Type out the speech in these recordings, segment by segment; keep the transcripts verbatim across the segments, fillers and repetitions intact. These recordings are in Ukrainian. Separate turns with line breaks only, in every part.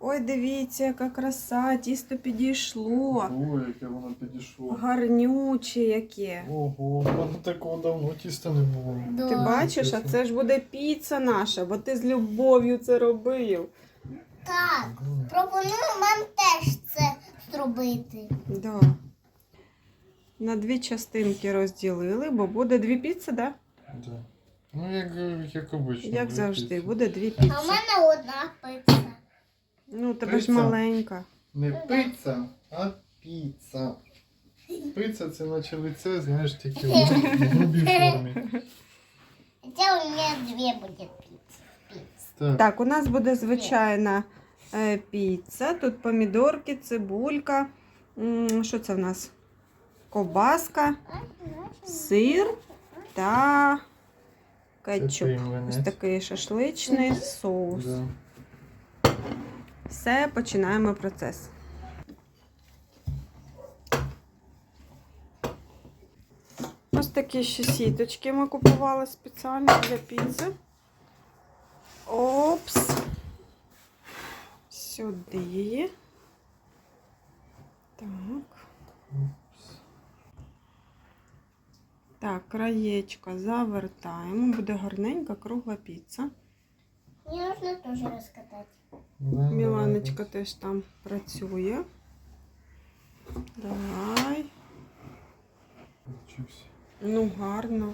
Ой, дивіться, яка краса, тісто підійшло.
Ой, яке воно підійшло.
Гарнюче яке.
Ого, в мене такого давно тіста не було.
Да.
Ти бачиш, а це ж буде піца наша, бо ти з любов'ю це робив.
Так, пропоную вам теж це зробити.
Да. На дві частинки розділили, бо буде дві піци, да?
Да. Ну, як, як обично.
Як
дві
завжди,
піци.
буде дві
А в
піци.
мене одна пицца.
Ну, у тебе ж
Піца?
маленька.
Не пицца, а піца. Пицца це наче лице, знаєш, тільки в грубій формі.
Хотя у меня две будет пиццы.
Так,
Так, у нас буде звичайна е, піца. Тут помідорки, цибулька. М, Що це в нас? Ковбаска, сир та кетчуп.
Це млинець.
Ось такий шашличний соус.
Да.
Все, починаємо процес. Ось такі ще сіточки ми купували спеціально для піци. Опс. Сюди. Так. Так, краєчко завертаємо. Буде гарненька кругла піца.
Мне нужно тоже раскатать.
Да,
Міланочка теж там працює. Давай.
Вчився.
Ну, гарно.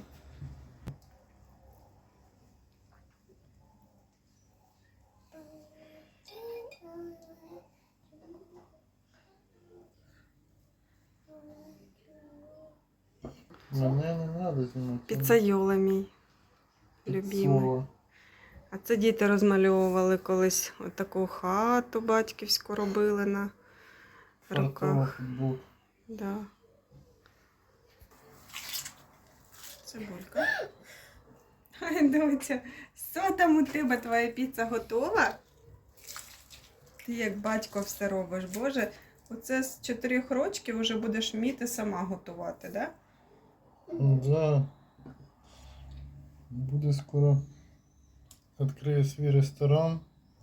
Мене не треба знімати.
Піцайола мій любимий.
Слово.
А це діти розмальовували колись отаку хату батьківську робили на руках.
Футбол.
Да. Цибулька. Ай, доця, що там у тебе, твоя піца готова? Ти як батько все робиш, Боже. Оце з чотирьох рочків вже будеш вміти сама готувати, да?
Да. Буде скоро. Відкриє свій ресторан.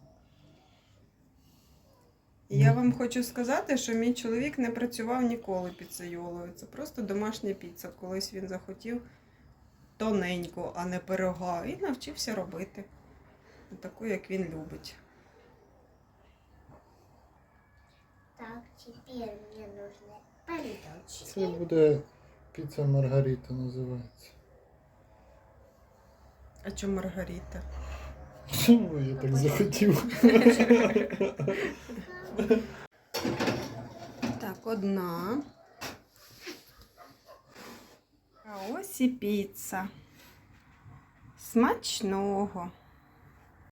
І я вам хочу сказати, що мій чоловік не працював ніколи піцейолою. Це просто домашня піца. Колись він захотів тоненьку, а не пирога. І навчився робити. Таку, як він любить.
Так, теперь мне нужны помидорчики.
Це буде піца Маргарита називається.
А чому Маргарита?
Ну, я так захотів.
Так, одна. А ось і піца. Смачного.